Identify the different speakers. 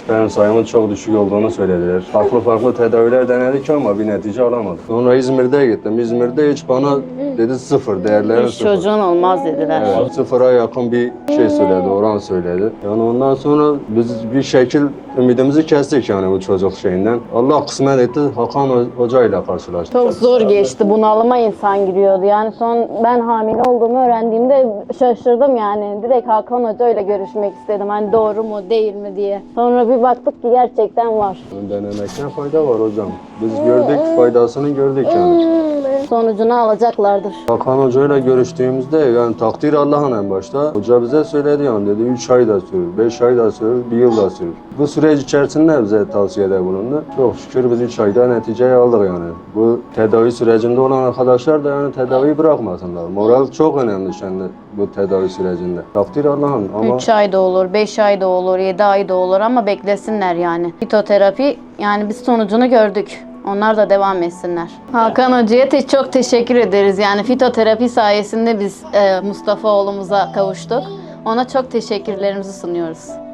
Speaker 1: sperm sayımın çok düşük olduğunu söylediler. Farklı tedaviler denedik ama bir netice alamadık. Sonra İzmir'de gittim. İzmir'de hiç bana dedi sıfır, değerlerin
Speaker 2: Hiç
Speaker 1: sıfır.
Speaker 2: çocuğun olmaz dediler.
Speaker 1: Evet, sıfıra yakın bir şey söyledi, oran söyledi. Yani ondan sonra biz bir şekil ümidimizi kestik yani bu çocuk şeyinden. Allah kısmet etti, Hakan Hoca ile karşılaştık.
Speaker 2: Çok zor geçti. Bunalıma insan giriyordu. Yani son ben hamile olduğumu öğrendiğimde şaşırdım yani. Direkt Hakan Hoca ile görüşmek istedim. Hani doğru mu değil mi diye. Sonra bir baktık ki gerçekten var.
Speaker 1: Denemekten fayda var hocam. Biz gördük, faydasını gördük yani.
Speaker 2: Sonucunu alacaklardır.
Speaker 1: Hakan Hoca ile görüştüğümüzde yani takdir Allah'ın en başta. Hoca bize söyledi yani dedi 3 ay da sürür, 5 ay da sürür, 1 yıl da sürür. Bu süreç içerisinde bize tavsiyede bulundu. Çok şükür biz 3 ayda neticeyi aldık yani. Bu tedavi sürecinde olan arkadaşlar da yani tedaviyi bırakmasınlar. Moral çok önemli şimdi bu tedavi sürecinde. Takdir Allah'ın ama
Speaker 2: 3 ay da olur, 5 ay da olur, 7 ay da olur ama beklesinler yani. Fitoterapi yani biz sonucunu gördük. Onlar da devam etsinler. Hakan Hoca'ya çok teşekkür ederiz. Yani fitoterapi sayesinde biz Mustafa oğlumuza kavuştuk. Ona çok teşekkürlerimizi sunuyoruz.